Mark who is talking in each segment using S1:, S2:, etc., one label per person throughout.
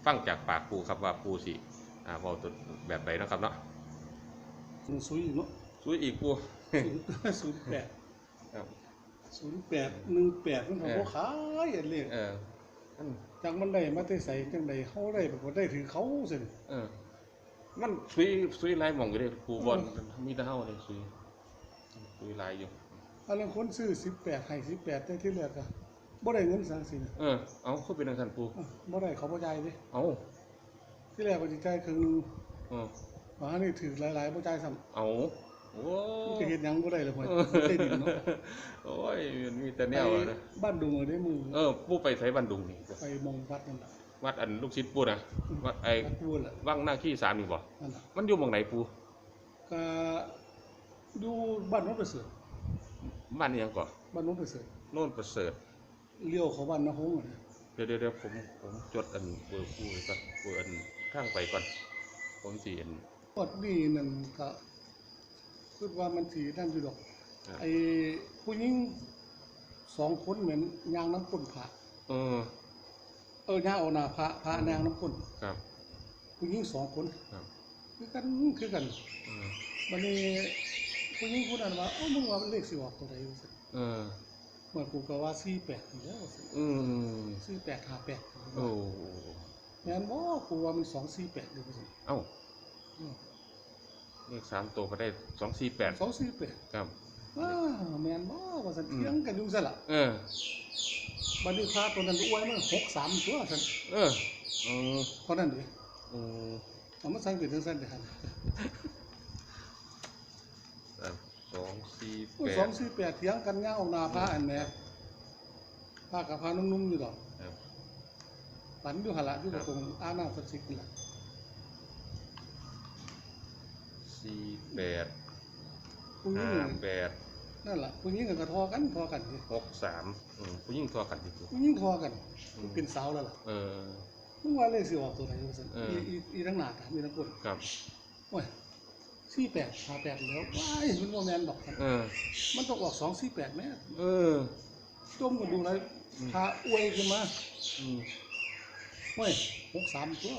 S1: ฟังจากปากปูครับว่าปูสิเว้าตัวแบบใดนะครับเนาะ
S2: ซุยเนาะ
S1: ซุยอีกปู
S2: 08
S1: ครับ
S2: 0818มันก็บ่ขายอันเลขจังมันได้มาแต่ไสจังได๋เฮาได้บ่ได้ถือเขาซั่น
S1: มันซุยหลายหม่องอยู่เด้ปูบ่มีแต่เฮาเลยซุยหลายอยู่
S2: อันนั้นคนซื้อ18ให้18แต่ที่เหลือก็บ่ได้เงินสังสิ
S1: เอาคือเป็นจังซั่นปู
S2: บ่ได้เขาบ่จ่ายเด้ที่แรกว่าสิจ่ายครึ่งนึงว่านี่ถือหลายๆบ่จ่ายซ้ำ
S1: เอาโอ้
S2: มันจะเฮ็ดหยังบ่ได้เลยพ่อได้ดินเนาะ
S1: โอ้ยมันมีแต่แนวนะ
S2: บ้านดุงได้มือ
S1: ปูไปไสบ้านดุงนี่
S2: ไปมองวัดนั่นล่ะ
S1: วัดอันลูกศิษย์ปูนะวัดวังหน้าขี้3นี่บ่
S2: นั่นล่ะ
S1: มันอยู่หม่องไหนปู
S2: ก็อยู่บ้านโนนประเสริฐ
S1: บ้านอีหยังก่อ
S2: บ้านโนนประเสริฐ
S1: โน่นประเสริฐ
S2: เลี้ยวเข้าบ้านนาฮงน่ะ
S1: เดี๋ยวผมจดอันเบอร์ปูก่อนเบอร์อันทางไปก่อนผมสิอัน
S2: ฮอดนี่นั่นก็คิดว่ามันสินั่นอยู่ดอกไอ้ผู้หญิง2คนเหมือนย่างน้ำก้นพระย่างเอาหน้าพระนางน้ำก้น
S1: ครับ
S2: ผู้หญิง2คน
S1: ครับ
S2: คือกันบัดนี้ผู้หญิงผู้นั้นว่ามึงว่ามันเลขสิออกตัวใดว่าซั่นเมื่อกูก็ว่า48นี่แล้วว่าซั่น4858โอ้แม่นบ่กูว่ามัน248เลยว่าซั่น
S1: เอ้าเลข3ตัวก็ได้248ครับ
S2: แม่นบ่ว่าซั่นเถียงกันอยู่ซั่นล่ะบัดนี้พระตัวนั้นอวยมัน63ตัวซั่นเท่านั้นเด้เอามาสั่งเป็นจังซั่นเด้หั่น248เถียงกันยาวหน้าพระอันแหมพระกับพระนุ่มๆอยู่ดอกปันอยู่หั่นล่ะอยู่ตรงอาน้ำศักดิ์สิทธิ์นี่ล่ะ
S1: 48 58
S2: นั่นล่ะผู้หญิงก็ทอกันสิ
S1: 63ผู้หญิงทอกันสิ
S2: ผู้หญิงทอกันเป็นสาวแล้วล่ะมึงว่าเลขสิออกตัวไหนว่าซั่นอีทั้งหน้ามีทั้งคน
S1: ครับ
S2: โอ้ย48 58แล้วว้ายมันบ่แม่นดอกมันต้องออก248แม่จมกันดูเลยพาอวยขึ้นมาโอ้ย63ตัว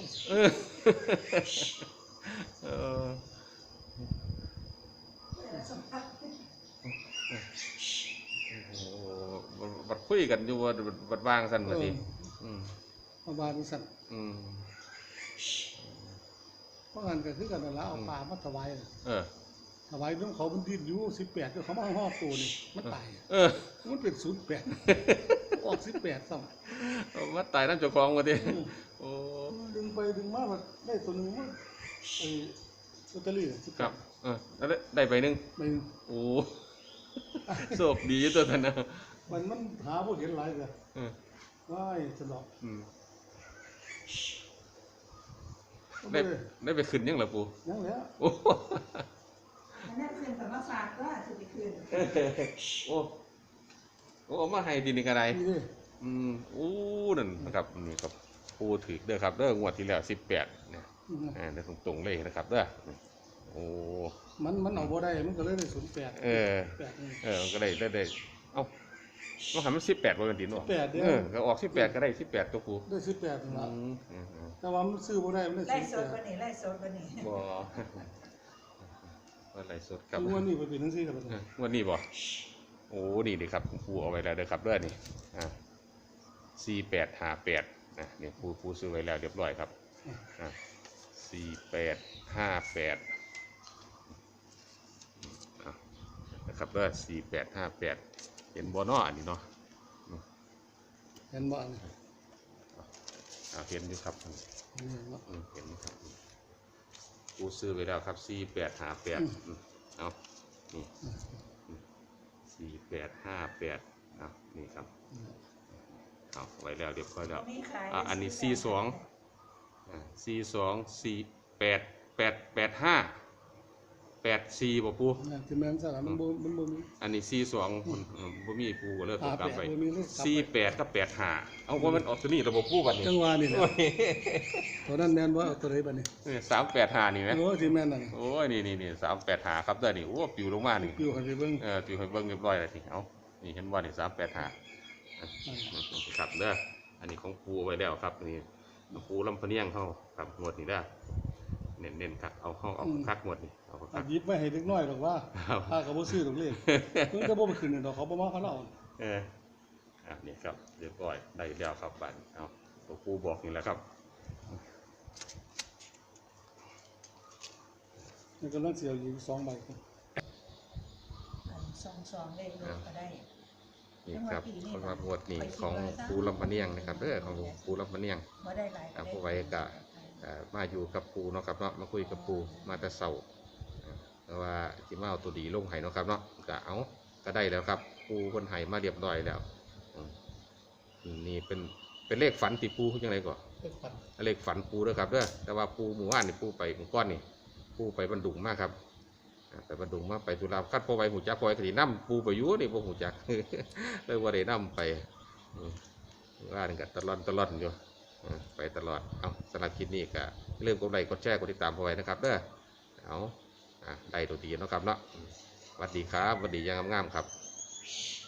S1: บัดคุยกันอยู่บัดวางซั่นว่าสิ
S2: มาบานซั่นเพราะงั้นก็คือกันนั่นล่ะเอาปลามาถวายถวายน้ำเขามันดิ้นอยู่18เขามาฮอดตัวนี่มันตายมันเป็น08ออก18ซ้ำ
S1: มันตายนำเจ้าของว่าติโอ้
S2: ดึงไปดึงมาแบบได้ตัวนึงมันลอตเตอรี่
S1: ครับแล้วได้ใบนึงโอ้โชคดีตัวนั้นนะ
S2: มันหาบ่เห็นหลายก็ว้ายสนอก
S1: ได้ไปขึ้นยังล่ะปู
S2: ยังแล้ว
S3: โอ้อันนั้นขึ้นแต่ว่าฝากก็สิไปขึ้น
S1: โอ้มาให้ดินนี่ก็ได้นั่นนะครับนี่ครับปูถือเด้อครับเด้องวดที่แล้ว18เนี่ยได้ตรงๆเลยนะครับเด้อโอ้
S2: มันเอาบ่ได้มันก็เลยได้08
S1: ก็ได้เอ้ามันหันมัน18บ่กันดินเนาะก็ออก18ก็ได้18ตัวปู
S2: ได้18นั่นล่ะแต่ว่ามันซื้อบ่ได้มันได้
S3: ไล่สดกว่านี้
S1: บ่ไล่สดครับ
S2: วันนี้เป็นจังซี่ครับ
S1: วันนี้บ่โอ้นี่ดิครับปูเอาไว้แล้วเด้อครับเด้อนี่4858นี่ปูซื้อไว้แล้วเรียบร้อยครับ4858นะครับเด้อ4858เห็นบ่เนาะอันนี้เนาะ
S2: เห็นบ่นี่
S1: เห็นอยู่ครับเห็นครับปูซื้อไว้แล้วครับ4858เอานี่4858นี่ครับเอาไว้แล้วเรียบร้อยแล้วอันนี้42488584บ่ปู
S2: ที่แม่นซะมันบ่มี
S1: อันนี้42บ่มีปูก็เลยตกกลับไป48กับ85เอาว่ามันออกตัวนี้ระบบปูบัดนี้
S2: จังหวะนี่แหละตัวนั้นแม่นบ่เอาตัวใดบัดนี้
S1: 385นี่แหม
S2: โอ้ที่แม่นนั่น
S1: โอ้ยนี่385ครับเด้อนี่โอ้ปิวลงมานี่
S2: ปิวให้เบิ่ง
S1: ปิวให้เบิ่งเรียบร้อยแล้วนี่เอานี่เห็นบ่นี่385ครับเด้ออันนี้ของปูไว้แล้วครับนี่ปูลำพะเนียงเขาครับงวดนี้ได้เน้นคักเอาคักงวดนี้เอาคัก
S2: ยิบไม่ให้เล็กน้อยหรอกว่าถ้าเขาบ่ซื้อตรงเลขเพิ่งจะบ่ไปขึ้นดอกเขาบ่มาเขาเล่า
S1: นี่ครับเรียบร้อยได้แล้วครับบัดเอาตัวปูบอกนี่แหละครับ
S2: นี่กำลังเสียวอยู่2 ใบ
S3: 2เลขรถก็ได้
S1: นี่ครับสำหรับงวดนี้ของปูลำพะเนียงนะครับของปูลำพะเนียง
S3: บ่ได้หลาย
S1: ผู้ไว้ก็มาอยู่กับปูเนาะครับเนาะมาคุยกับปูมาแต่เช้าแต่ว่าที่มาเอาตัวดีลงไห้เนาะครับเนาะก็ได้แล้วครับปูคนไห้มาเรียบร้อยแล้วนี่เป็นเลขฝันติปูยังไงก่อนเลขฝันปูด้วยครับเด้อแต่ว่าปูหมู่บ้านนี่ปูไปหมู่ก้อนนี่ปูไปบรรดุงมากครับไปบรรดุงมาไปตุลาคัดพอไว้หูจักพอไว้คดีน้ำปูไปอยู่นี่พวกหูจักเลยว่าได้น้ำไปว่านี่ก็ตลอดอยู่ไปตลอดเอาสำหรับคลิปนี้ก็เริ่มกดไลค์กดแชร์กดติดตามพอไว้นะครับเด้อเอาได้ตัวดีเนาะครับเนาะสวัสดีครับสวัสดียังงามๆครับ